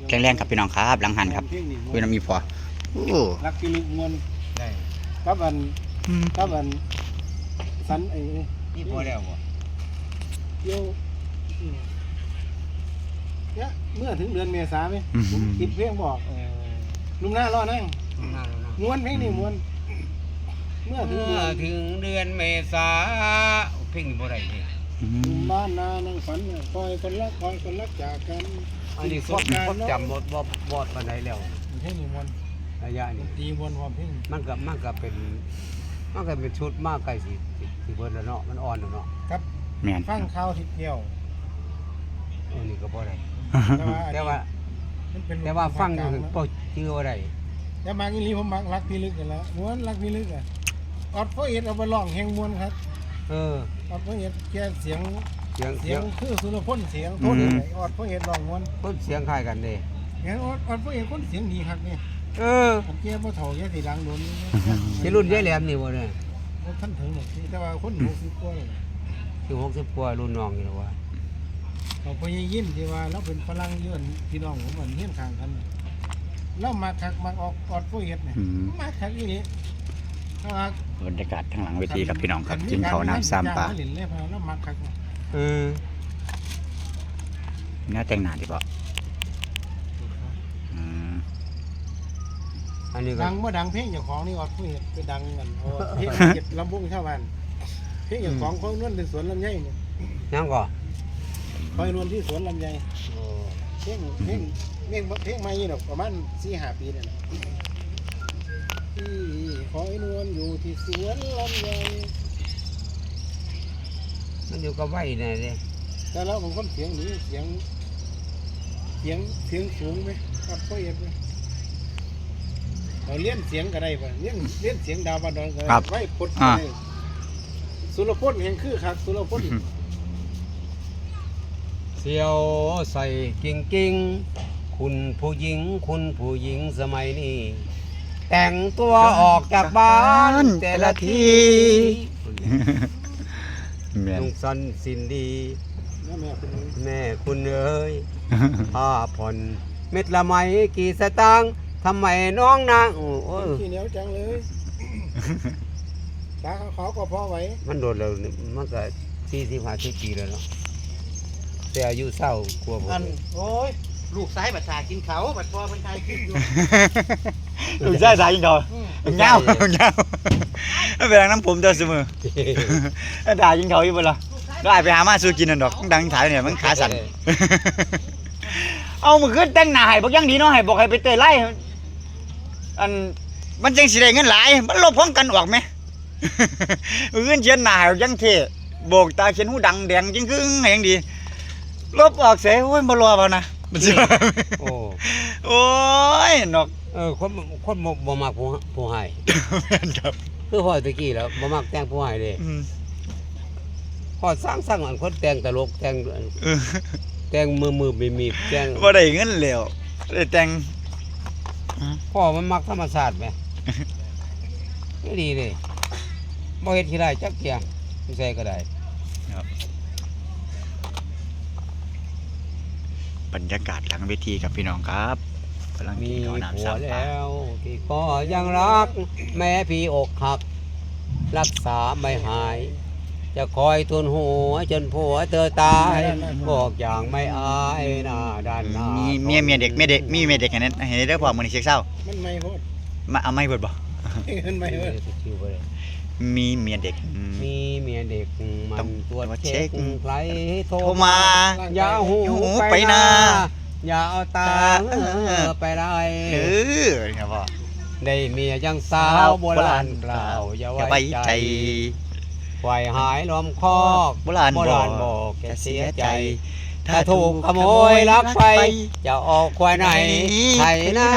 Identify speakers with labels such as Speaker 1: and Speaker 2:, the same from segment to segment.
Speaker 1: แข็งแรงครับพี่น้องครับหลังหันครับคุยน้ำมีพอ
Speaker 2: รักกิลุกมวลกับอันสัน
Speaker 3: นี่พอแล้วบ่
Speaker 2: เที่ยวเนี่ยเมื่อถึงเดือนเมษาไหมติดเพลงบอกลุงหน้ารอนั่งม้วนเพลงนี่ม้วนเมื่อ
Speaker 3: ถึงเดือนเมษาเพลงนี้บ่ได้นี่
Speaker 2: บ้านนานั่งฝันคอยคนรักจากกัน
Speaker 3: อันนี้สดจำบ่ปานใดแล้ว
Speaker 2: เพลงนี่ม้วน
Speaker 3: ระยะนี้
Speaker 2: ตีม้วนความเพลง
Speaker 3: มันก็เป็นชุดมากไกลสิเบิดแล้วเนาะมันอ่อนแล้วเนาะ
Speaker 2: ครับฟังข่าวทิศเดียว
Speaker 3: อันนี้ก็บ่ได้แต่ว่าฟังอยู่บ่ชื่อว่าได้
Speaker 2: แต่มาอีหลีผมมักรักพี่ลึกกันแล้วม้วนรักพี่ลึกอ่ะออดโฟเอ็ดเอาไปร้องแห่งม้วนครับออดโฟเอ็ดแกเสียงคือสุรพลเสียงโทษออดโฟเอ็ดร้องม้วน
Speaker 3: คนเสียงคล้ายกันเด้
Speaker 2: งั้นออดโฟเอ็ดคนเสียงดีครับนี่ผมแกบ่เฒ่าแกสิดังโดน
Speaker 3: สิรุ่นยายแหลมนี่บ่เนี่ย
Speaker 2: ท่านถึงหมดแต่ว่าคน60กว่าเลย
Speaker 3: คือ60กว่ารุ่นน้องอยู่แล้วว่า
Speaker 2: เขาพยายยิ้มที่ว่าเราเป็นฝรั่งเยอะพี่น้องผมเหมือนเฮี้ยนข้างกันแล้วมาคักมาออกออดโฟเอ็ดเนี่ยมาคักอีนี่
Speaker 1: บรรยากาศทางหลังเวทีครับพี่น้องครับกินข้าวน้ำซ้ำปลาเนื้อแต่งหนาดีป่ะ
Speaker 2: อันนี้ดังเมื่อดังเพลงอย่างของนี่ออดผู้เห็ดไปดังกันเพลงเก็บลำบุ้งชาวบ้านเพลงอย่างของคอยนวลในสวนลำไยเนี่ย
Speaker 3: ยังก่อน
Speaker 2: คอยนวลที่สวนลำไยเพลงไม่ยี่หรอกประมาณ4-5 ปีเนี่ยที่คอยนวลอยู่ที่สวนลำไย
Speaker 3: มันอยู่กับไว้เนี่ยเลย
Speaker 2: แต่แล้วบางคนเสียงนี้เสียงสูงไหมครับก็เอ็ดไหมเราเลี้ยนเสียงก็ได้ป่ะเลี้ยนเสียงดาวบานดอนก็ได้ไว้พดได้สุรพลแห่งคือครับสุรพล
Speaker 3: เสียวใส่กิ่งคุณผู้หญิงสมัยนี้แต่งตัวออกจากบ้านแต่ละทีลุงสันสินดีแม่คุณเอ๋ยผ้าผ่อนเม็ดละไมกี่สตางค์ทำไมน้องนางโอ้ย
Speaker 2: ขี้เหนียวจังเลยตาเขาก็พอไว้
Speaker 3: มันโดนแล้วมันก็40-50 ปีแล้วเนาะแต่อายุเศร้ากลัวผม
Speaker 2: โอ้ยลูกซ้ายบัดสากินเขาบัดพอมันตายขึ้นอยู่
Speaker 1: ลูกซ้ายสายกินเขาเงาเป็นน้ำผมเจอเสมอด่ากินเขาอยู่บ่ล่ะได้ไปหามาซื้อกินนั่นดอกดังถ่ายเนี่ยมันขาสั่นเอามือขึ้นแต่งหน้าให้บอกยังดีเนาะให้บอกให้ไปเตยไล่อันมันจังสิได้เงินหลายมันลบพร้อมกันออกไหมมือขึ้นเขียนหน้ายังเท่โบกตาเขียนหูดังแดงจริงคือยังดีลบออกเสียโอ้ยบ่รอเปล่านะโอ้ยนก
Speaker 3: คนบ่มักผู้ให้ครับคือพ่อตะกี้แล้วบ่มักแต่งผู้ให้เลยพอสร้างอันคนแต่งตลกแต่งมือมีแต่ง
Speaker 1: บ่ได้เงินแล้วได้แต่ง
Speaker 3: พ่อมันมักธรรมชาติไหมก็ดีเลยบ่เฮ็ดที่ได้จักเที่ยงใส่ก็ได้
Speaker 1: บรรยากาศหลังเวทีกับพี่น้องครับกำลัง
Speaker 3: มีผัวแล้วที่ก็ยังรักแม้พี่อกหักรักษาไม่หายจะคอยทุนหัวจนผัวเธอตายบอกอย่างไม่อายหน้าด้านหน้า
Speaker 1: มีเมียเด็กมีเมียเด็กให้ได้พอมื้อนี้เช็คเศร้า
Speaker 2: มันไม่โหด
Speaker 1: มาเอาไม่เบิดบ่
Speaker 2: มันไม่โหด
Speaker 1: มีเมียเด็ก
Speaker 3: มันตัวเช็คใครโทร
Speaker 1: มา
Speaker 3: อย่าหูไปนะอย่าเอาตาไปได้
Speaker 1: ครับพ่อ
Speaker 3: ได้เมียยังสาวโบราณกล่าวอย่าไว้ใจควายหายล้อมคอก
Speaker 1: โบราณ
Speaker 3: บอกแกเสียใจถ้าถูกขโมยลักไปจะออกควายไหนไถนา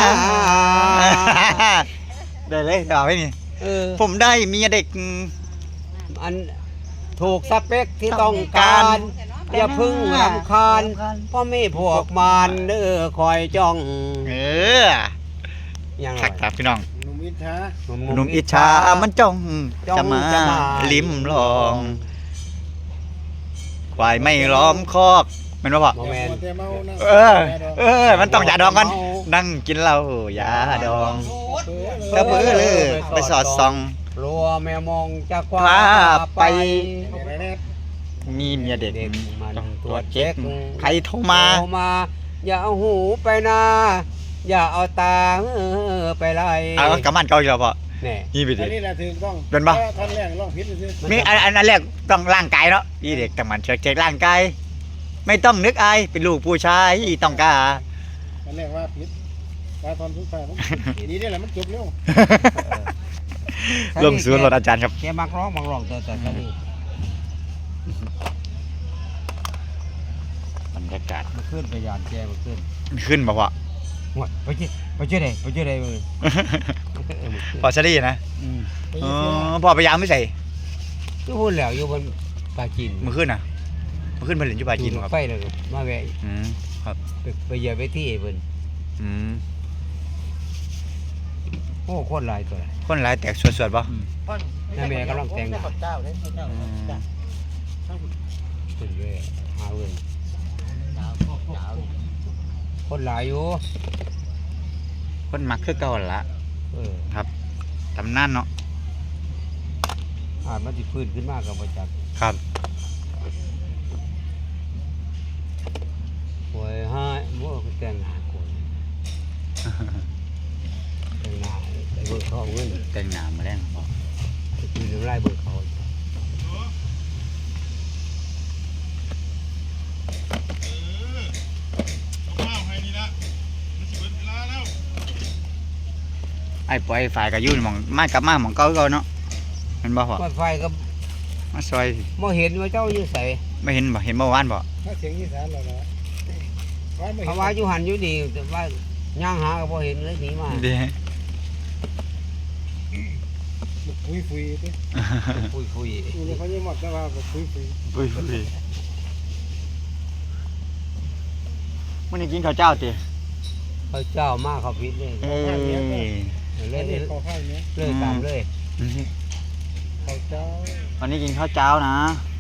Speaker 1: ได้เลยเอาไว้นี่ผมได้เมียเด็ก
Speaker 3: อันถูกสเปคที่ต้องการอย่าพึ่งรำคาญเพราะไม่พวกมารคอยจ้อง
Speaker 1: อย่างไรครับพี่น้อง
Speaker 2: หนุ่ม
Speaker 1: อิจฉามันจ้องจะมาลิ้มลองควายไม่ล้อมคอกแมันบ่พอ
Speaker 3: บ่แม่น
Speaker 2: แต่เมานะ
Speaker 1: มันต้องยาดองก่อนนั่งกินเหล้ายาดองกระเบื้อเลยไปสอดส่อง
Speaker 3: รัวแมวมองจะคว้า
Speaker 1: คว้าไป
Speaker 3: ไป
Speaker 1: มีเมียเด็ก
Speaker 3: เด็กมัน
Speaker 1: ต้อง
Speaker 3: ต
Speaker 1: ต
Speaker 3: ร
Speaker 1: ร
Speaker 3: ว
Speaker 1: ว
Speaker 3: จ
Speaker 1: จ
Speaker 3: เช็
Speaker 1: เช็
Speaker 3: ค
Speaker 1: คใครโทรมา
Speaker 3: โทรมา อย่าเอาหูไปนาอย่าเอาตาไปไล่
Speaker 1: เอากำมันเก่าอีกแล้วพอ
Speaker 3: แน่
Speaker 1: นี่ไปดิ
Speaker 2: อันนี้แหละถึงต้อง
Speaker 1: เป็นปะ
Speaker 2: ท่อนแรกร้องผิดซื่อ
Speaker 1: มีอันแรกต้องร่างกายเนาะอีเด็กต้องมันเช็คร่างกายไม่ต้องนึกอายเป็นลูกผู้ชายต้องกล้า
Speaker 2: ท่อนแรกว่าผิดว่าท่อนสุดท้ายมันดีได้แหละมันจบเร็ว
Speaker 1: ลงศูนย์รถอาจารย์ครับ
Speaker 3: แกมักร้องแต่ตอนนี้
Speaker 1: บรรยากาศ
Speaker 3: มันขึ้นไปยานแกมันขึ้น
Speaker 1: ขึ้นบ่พอ
Speaker 3: หมดไปเจอได้มึง
Speaker 1: พอชะดีนะ
Speaker 2: ไป
Speaker 1: อ๋
Speaker 2: เสีย
Speaker 1: อพอพยายามไม่ใส่
Speaker 3: อยู่พูดแล้วอยู่บนปลาจีน
Speaker 1: มือขึ้นนะมือขึ้นมาเล่นอยู่ปลาจีนบ่ครับ
Speaker 3: ไฟเลยมาแวะ
Speaker 1: อืมครับ
Speaker 3: ไปเหยียบไปที่เพิ่น
Speaker 1: อืม
Speaker 3: โอ้โคตรหลายตัว
Speaker 1: คนหลายแตกสวดๆป่ะ
Speaker 3: นั่นแม่กำลังแต่งหน้า
Speaker 2: เจ้าเลยเจ้าจ้ะ
Speaker 3: เพิ่นเลยหาเงินคนหลายอยู่
Speaker 1: คนมักคือเก่าหั่นละ
Speaker 3: เออ
Speaker 1: ตำนานเนาะ
Speaker 3: อาจมันสิฟื้นขึ้นมากับบ่จัก
Speaker 1: ครับ
Speaker 3: โอ้ยหาบ่แต่งหน้าคนแต่งหน้าไปเบิกเขาเงิน
Speaker 1: แต่งหน้ามาแล้วบ่
Speaker 3: ไปกินน้ำลายเบิกเขา
Speaker 1: ไอ้ปล่อยฝ่ายก็อยู่หม่องมากลับมาหม่องเก่าคือเก่าเนาะแม่นบ่พ่อ
Speaker 3: ไฟก็
Speaker 1: มาซอย
Speaker 3: บ่เห็นว่าเจ้าอยู่ไส
Speaker 1: ไม่เห็นบ่เห็นเมื่อวานบ่
Speaker 2: ถ้าเสียงอีสานเราละว่าไม่
Speaker 3: เพ
Speaker 2: เห็
Speaker 3: ราะ
Speaker 2: น
Speaker 3: ว่าอยู่หันอยู่ดีแต่ว่าย่างหาก็บ่เห็นเลยหนีมา
Speaker 1: เด้
Speaker 2: คุยดิ
Speaker 3: ฟุย
Speaker 2: กูเลยเขายี่หมดแต่ว่าคุย
Speaker 1: อุ้ยมื้อนี้กินข้าวเจ้าติ
Speaker 3: ๆเขาเจ้ามาเขาพิษเลย
Speaker 1: เอ้ย
Speaker 3: เล่น
Speaker 2: ขอข้าวเนี้ย
Speaker 3: เลยตามเลย
Speaker 2: เขาเจ้า
Speaker 1: วันนี้กินข้าวเจ้านะ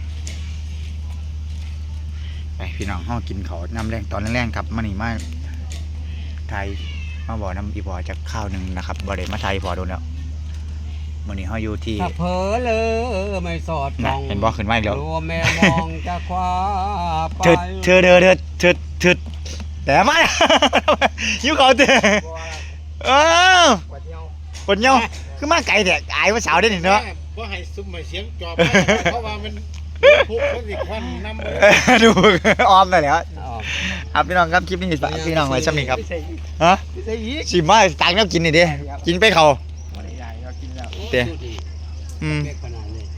Speaker 1: ไปพี่น้องเฮากินข้าวน้ำแรงตอนแรงๆครับมื้อนี้มาไทยมาบ่น้ำอีบ่อจักข้าวหนึงนะครับบ่ได้มาไทยพอโดนแล้วมื้อนี้เฮาอยู่ที่
Speaker 3: ถ้าเผลอเลยไม่สอด
Speaker 1: น่ะ
Speaker 3: ส่อง
Speaker 1: เห็นบ่ขึ้นมาอีกแล้ว
Speaker 3: รัวแม่มองจะคว้าไป
Speaker 1: เถิดแต่มา หิวเขาเด้เออ
Speaker 2: วัดเที่ยว
Speaker 1: คนเหี่ยวคือมาไกลแท้อายว่าสาวได้นี่เนาะ
Speaker 2: ว่าให้ซุ่มมาเสียงจอบเพราะว่ามันพุกเขาสิควันน้ำเลย
Speaker 1: ดูออมได้แล้ว
Speaker 3: อ๋อ
Speaker 1: ครับพี่น้องครับคลิปนี้ฝากพี่น้องไว้ซ้ำนี้ครับฮะ
Speaker 2: ใส่ยีก
Speaker 1: สิมาต่างแนวกินนี่เด้กินไปเขา
Speaker 2: วันใหญ่เรากินแล้ว
Speaker 1: เด้อืม
Speaker 3: เป๊กขนาดเลย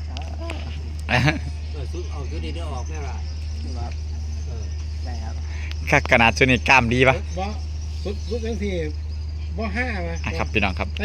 Speaker 3: เอาชุดนี้เดี๋ยวออกแม่ล่ะเออ
Speaker 2: ได้ครับ
Speaker 1: คักขนาดสุดนี่กล้ามดีปะ
Speaker 2: บ่สุดทั้งทีบ่ห้ามา
Speaker 1: อ่ะครับพี่น้องครับ